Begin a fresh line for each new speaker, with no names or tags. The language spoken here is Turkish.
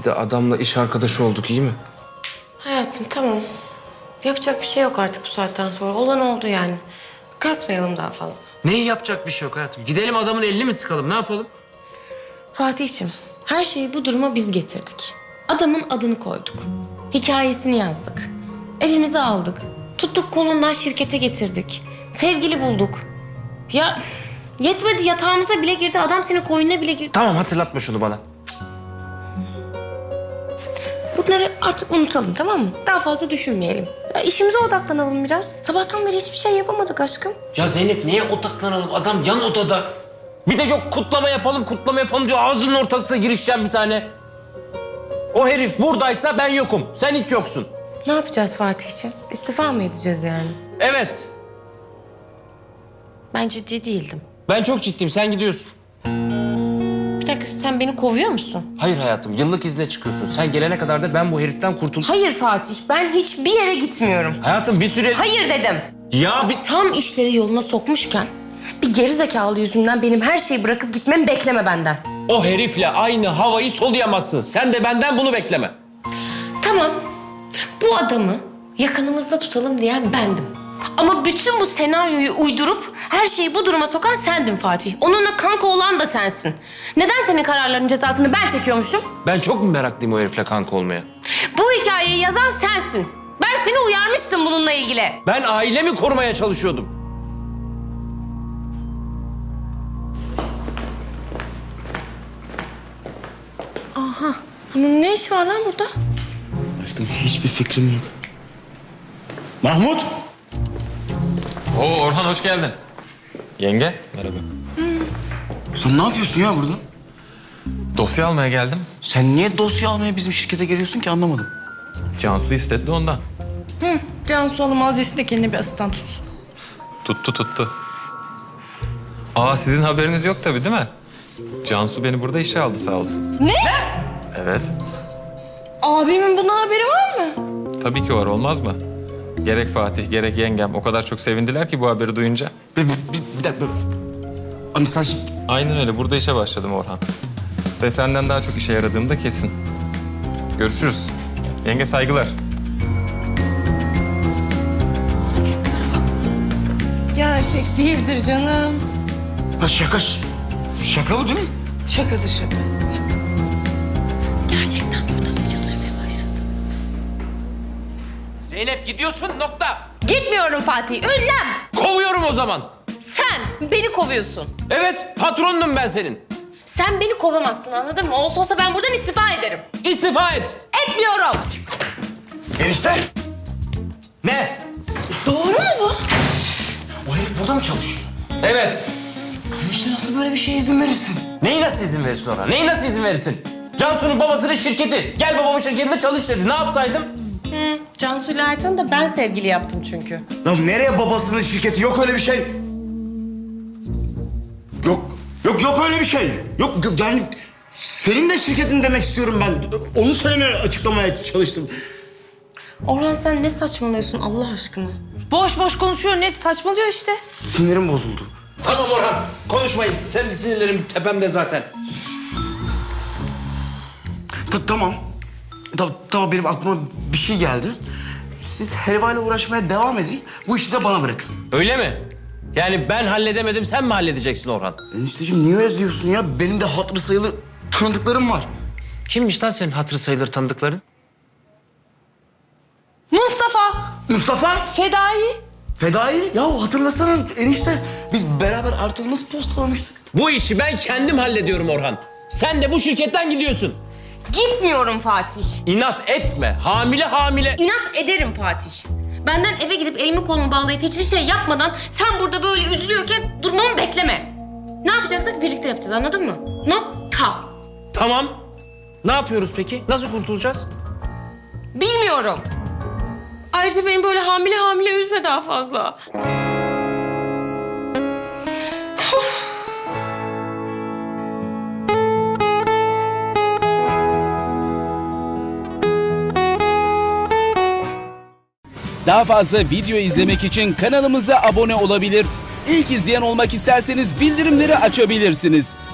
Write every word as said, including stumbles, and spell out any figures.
de adamla iş arkadaşı olduk, iyi mi?
Hayatım tamam. Yapacak bir şey yok artık bu saatten sonra. Olan oldu yani. Kasmayalım daha fazla.
Neyi yapacak bir şey yok hayatım? Gidelim adamın elini mi sıkalım, ne yapalım?
Fatih'ciğim, her şeyi bu duruma biz getirdik. Adamın adını koyduk. Hikayesini yazdık. Evimize aldık. Tuttuk kolundan şirkete getirdik. Sevgili bulduk. Ya yetmedi, yatağımıza bile girdi. Adam senin koynuna bile girdi.
Tamam, hatırlatma şunu bana.
Bunları artık unutalım, tamam mı? Daha fazla düşünmeyelim. Ya işimize odaklanalım biraz. Sabahtan beri hiçbir şey yapamadık aşkım.
Ya Zeynep, niye odaklanalım? Adam yan odada. Bir de yok kutlama yapalım, kutlama yapalım diyor. Ağzının ortasına girişeceğim bir tane. O herif buradaysa ben yokum. Sen hiç yoksun.
Ne yapacağız Fatih'ciğim? İstifa mı edeceğiz yani?
Evet.
Ben ciddi değildim.
Ben çok ciddiyim. Sen gidiyorsun.
Bir dakika, sen beni kovuyor musun?
Hayır hayatım. Yıllık izne çıkıyorsun. Sen gelene kadar da ben bu heriften kurtul...
Hayır Fatih, ben hiçbir yere gitmiyorum.
Hayatım bir süre...
Hayır dedim.
Ya bir...
Tam işleri yoluna sokmuşken bir gerizekalı yüzünden benim her şeyi bırakıp gitmemi bekleme benden.
O herifle aynı havayı soluyamazsın. Sen de benden bunu bekleme.
Tamam, bu adamı yakınımızda tutalım diyen bendim. Ama bütün bu senaryoyu uydurup her şeyi bu duruma sokan sendin Fatih. Onunla kanka olan da sensin. Neden senin kararların cezasını ben çekiyormuşum?
Ben çok mu meraklıyım o herifle kanka olmaya?
Bu hikayeyi yazan sensin. Ben seni uyarmıştım bununla ilgili.
Ben ailemi korumaya çalışıyordum.
Aha, bunun ne işi var lan burada?
Aşkım hiçbir fikrim yok. Mahmut!
Oo Orhan, hoş geldin. Yenge, merhaba.
Sen ne yapıyorsun ya burada?
Dosya almaya geldim.
Sen niye dosya almaya bizim şirkete geliyorsun ki, anlamadım.
Cansu istedi de ondan.
Hı, Cansu Hanım Aziz de kendine bir asistan tutsun.
Tuttu tuttu. Aa, sizin haberiniz yok tabii değil mi? Cansu beni burada işe aldı sağ olsun.
Ne?
Evet.
Abimin bundan haberi var mı?
Tabii ki var, olmaz mı? Gerek Fatih, gerek yengem o kadar çok sevindiler ki bu haberi duyunca.
Bir, bir, bir, bir dakika. Ama sen şimdi...
Aynen öyle, burada işe başladım Orhan. Ve senden daha çok işe yaradığım da kesin. Görüşürüz. Yenge, saygılar.
Gerçek değildir canım.
Ha şaka, ş- şaka bu değil mi?
Şakadır şaka. Gerçekten burada mı çalışmaya başladı?
Zeynep gidiyorsun, nokta.
Gitmiyorum Fatih, ünlem.
Kovuyorum o zaman.
Sen beni kovuyorsun.
Evet, patronunum ben senin.
Sen beni kovamazsın, anladın mı? Olsa olsa ben buradan istifa ederim.
İstifa et.
Etmiyorum.
Enişte!
Ne?
Doğru mu bu?
O herif burada mı çalışıyor?
Evet.
Enişte nasıl böyle bir şeye izin verirsin?
Neyi nasıl izin verirsin ona? Neyi nasıl izin verirsin? Cansu'nun babasının şirketi. Gel babamın şirketinde çalış dedi. Ne yapsaydım?
Hı, Cansu ile Ertan'ı da ben sevgili yaptım çünkü.
Ya nereye babasının şirketi? Yok öyle bir şey. Yok, yok, yok öyle bir şey. Yok, yok yani senin de şirketin demek istiyorum ben. Onu söylemeye, açıklamaya çalıştım.
Orhan sen ne saçmalıyorsun Allah aşkına? Boş boş konuşuyor, net saçmalıyor işte.
Sinirim bozuldu.
Tamam Orhan, konuşmayın. Sen de sinirlerim tepemde zaten.
Ta- tamam. Ta- tamam, benim aklıma bir şey geldi. Siz helvayla uğraşmaya devam edin. Bu işi de bana bırakın.
Öyle mi? Yani ben halledemedim, sen mi halledeceksin Orhan?
Enişteciğim niye öyle diyorsun ya? Benim de hatırı sayılır tanıdıklarım var.
Kimmiş lan senin hatırı sayılır tanıdıkların?
Mustafa,
Mustafa!
Fedai.
Fedai! Ya hatırlasana enişte. Biz beraber artık nasıl postalamıştık?
Bu işi ben kendim hallediyorum Orhan. Sen de bu şirketten gidiyorsun.
Gitmiyorum Fatih.
İnat etme. Hamile hamile.
İnat ederim Fatih. Benden eve gidip elimi kolumu bağlayıp hiçbir şey yapmadan sen burada böyle üzülüyorken durmamı bekleme. Ne yapacaksak birlikte yapacağız, anladın mı? Nokta.
Tamam. Ne yapıyoruz peki? Nasıl kurtulacağız?
Bilmiyorum. Ayrıca beni böyle hamile hamile üzme daha fazla.
Daha fazla video izlemek için kanalımıza abone olabilir. İlk izleyen olmak isterseniz bildirimleri açabilirsiniz.